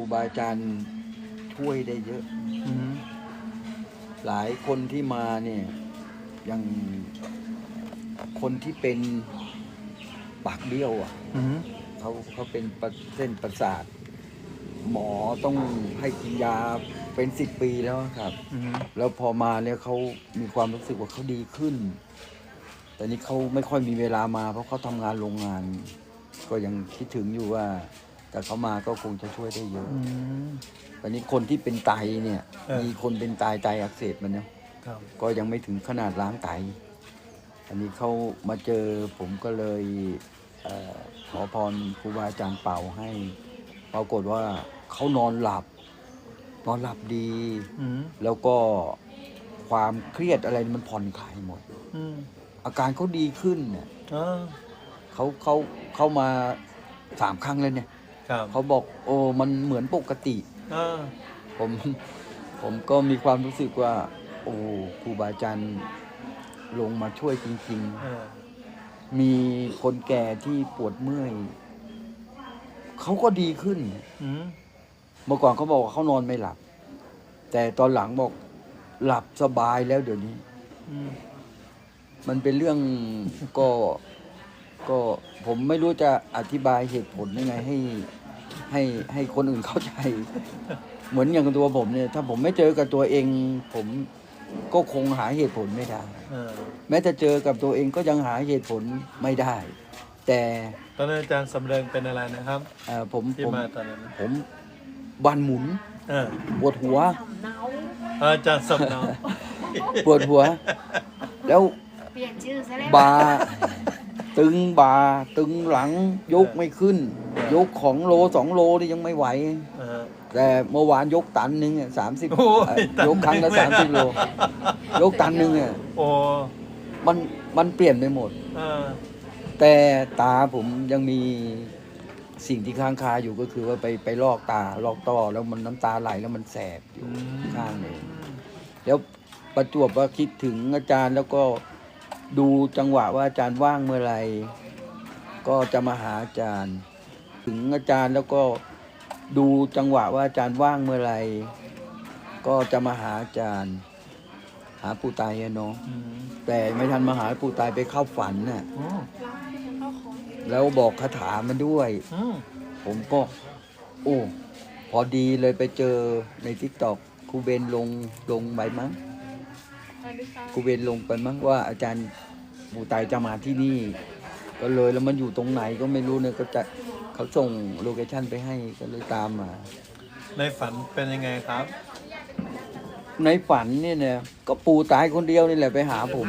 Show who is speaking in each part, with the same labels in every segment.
Speaker 1: รูบาอาจารย์ช่วยได้เยอะ หลายคนที่มาเนี่ยอย่างคนที่เป็นปากเบี้ยวเขาเป็นเส้นประสาท หมอต้องให้กินยาเป็น10 ปีแล้วครับแล้วพอมาเนี่ยเขามีความรู้สึกว่าเขาดีขึ้น แต่นี้เขาไม่ค่อยมีเวลามาเพราะเขาทำงานโรงงาน ก็ยังคิดถึงอยู่ว่าแต่เขามาก็คงจะช่วยได้เยอะตอนนี้คนที่เป็นไตเนี่ยมีคนเป็นไตอักเสบมันเนี่ยก็ยังไม่ถึงขนาดล้างไตอันนี้เขามาเจอผมก็เลยขอพรครูบาอาจารย์เป่าให้ปรากฏว่าเขานอนหลับดีแล้วก็ความเครียดอะไรมันผ่อนคลายหมดอาการเขาดีขึ้นเนี่ยเขามา3 ครั้งแล้วเนี่ยเขาบอกโอ้มันเหมือนปกติผมก็มีความรู้สึกว่าโอ้ครูบาอาจารย์ลงมาช่วยจริงๆมีคนแก่ที่ปวดเมื่อยเขาก็ดีขึ้นเมื่อก่อนเขาบอกว่าเขานอนไม่หลับแต่ตอนหลังบอกหลับสบายแล้วเดี๋ยวนี้มันเป็นเรื่องก็ผมไม่รู้จะอธิบายเหตุผลยังไงให้คนอื่นเข้าใจ เหมือนอย่างตัวผมเนี่ยถ้าผมไม่เจอกับตัวเองผมก็คงหาเหตุผลไม่ได้แม้จะเจอกับตัวเองก็ยังหาเหตุผลไม่ได้แต่
Speaker 2: ตอนนั้นอาจารย์สำเริงเป็นอะไรนะครับที่มาตอนนั้น
Speaker 1: ผมบันหมุนปวดหัว
Speaker 2: อาจารย์สำเนา
Speaker 1: ปวดหัวแล้วบาตึงตึงหลังยกไม่ขึ้นยกของโล2 โลนี่ยังไม่ไหวแต่เมื่อวานยกตันหนึ่ง30ยกครั้งละ30 โลยกตันหนึ่งมันเปลี่ยนไปหมดแต่ตาผมยังมีสิ่งที่ค้างคาอยู่ก็คือว่าไปลอกต้อแล้วมันน้ำตาไหลแล้วมันแสบอยู่ข้างนึงแล้วประจวบว่าคิดถึงอาจารย์แล้วก็ดูจังหวะว่าอาจารย์ว่างเมื่อไหร่ก็จะมาหาอาจารย์ถึงอาจารย์แล้วก็ดูจังหวะว่าอาจารย์ว่างเมื่อไหร่ก็จะมาหาอาจารย์หาปู่ตายเนาะแต่ไม่ทันมาหาปู่ตายไปเข้าฝันน่ะแล้วบอกคาถามันด้วยผมก็โอ้พอดีเลยไปเจอใน TikTok ครูเบนลงไปมั้งครูเบนลงไปมั้งว่าอาจารย์ปู่ตายจะมาที่นี่ก็เลยแล้วมันอยู่ตรงไหนก็ไม่รู้เนี่ยก็จะเขาส่งโลเคชั่นไปให้ก็เลยตามมา
Speaker 2: ในฝันเป็นยังไงครับ
Speaker 1: ในฝันเนี่ยก็ปู่ตายคนเดียวนี่แหละไปหาผม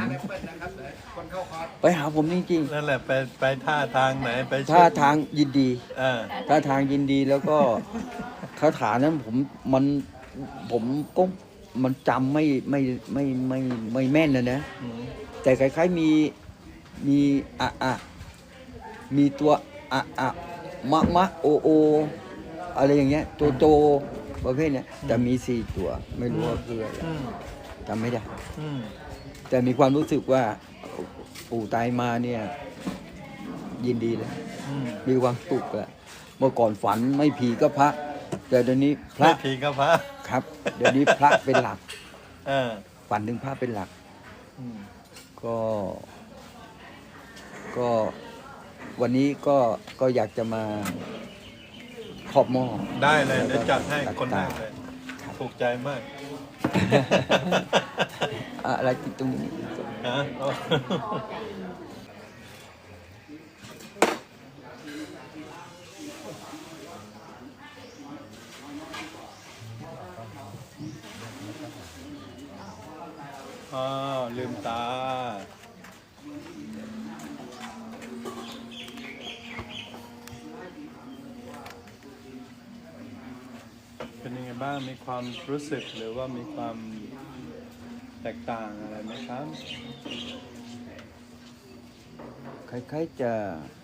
Speaker 1: จริง
Speaker 2: ๆนั่นแหละไปท่าทางไหนไป
Speaker 1: ท่าทางยินดีท่าทางยินดีแล้วก็คาถานั้นผมก็มันจำไม่แม่นนะแต่คล้ายๆมีมีตัวมะโออะไรอย่างเงี้ยโจประเภทเนี้ยแต่มี4 ตัวไม่รู้ว่าคืออะไรจำไม่ได้แต่มีความรู้สึกว่าปู่ตายมาเนี่ยยินดีเลยมีความสุขแล้วเมื่อก่อนฝันไม่ผีก็พระแต่เดี๋ยวนี้พระ
Speaker 2: ผีก็พระ
Speaker 1: ครับเดี๋ยวนี้พระเป็นหลักฝันถึงพระเป็นหลักก็วันนี้ก็อยากจะมาขอบหม้อ
Speaker 2: ได้เลยเดี๋ยวจัดให้คนแรกเลยถูกใจมาก
Speaker 1: อะไรติดตรงนี้
Speaker 2: ลืมตาเป็นยังไงบ้างมีความรู้สึกหรือว่ามีความแตกต่างอะไรไหมครับ
Speaker 1: คล้ายๆจะ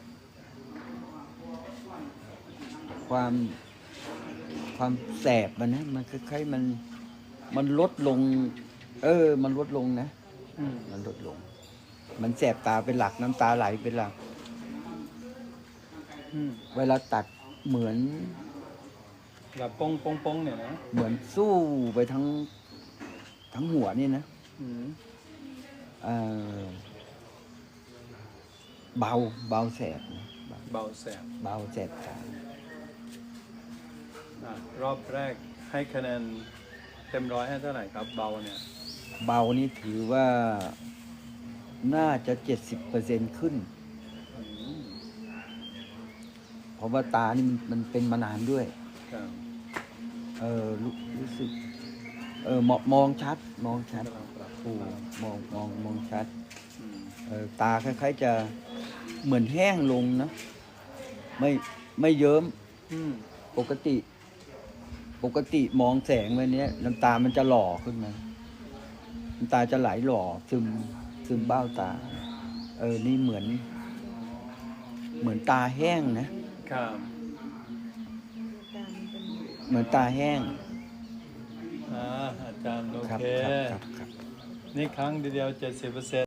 Speaker 1: ความแสบมันคล้ายๆมันลดลงมันลดลงนะมันลดลงมันแสบตาเป็นหลักน้ำตาไหลเป็นหลักเวลาตัดเหมือน
Speaker 2: แบบป้งป้งป้งเนี่ยนะ
Speaker 1: เหมือนสู้ไปทั้งหัวนี่นะ
Speaker 2: อืม
Speaker 1: เอ่อเบาแสบนะ
Speaker 2: เบาแสบ
Speaker 1: เบาแสบตาร
Speaker 2: อบแรกให้คะแนนเต็ม100ให้เท่าไหร่ครับเบาเนี่ย
Speaker 1: เบานี่ถือว่าน่าจะ70%ขึ้น
Speaker 2: อืม
Speaker 1: เพราะว่าตานี่มันเป็นมานานด้วย
Speaker 2: ครับ
Speaker 1: รู้สึกมองชัด
Speaker 2: กำลังปรับ
Speaker 1: โอ้มองชัด
Speaker 2: อืม
Speaker 1: ตาคล้ายๆจะเหมือนแห้งลงนะ ไม่เยิ้ม
Speaker 2: อืม
Speaker 1: ปกติมองแสงวันนี้น้ำตามันจะหล่อขึ้นมาน้ำตาจะไหลหล่อซึมเบ้าตา นี่เหมือนตาแห้งนะ
Speaker 2: ครับ
Speaker 1: เหมือนตาแห้ง
Speaker 2: อาจารย์โอ
Speaker 1: ครับ
Speaker 2: เค
Speaker 1: ครับ
Speaker 2: นี่ครั้งเดียว70%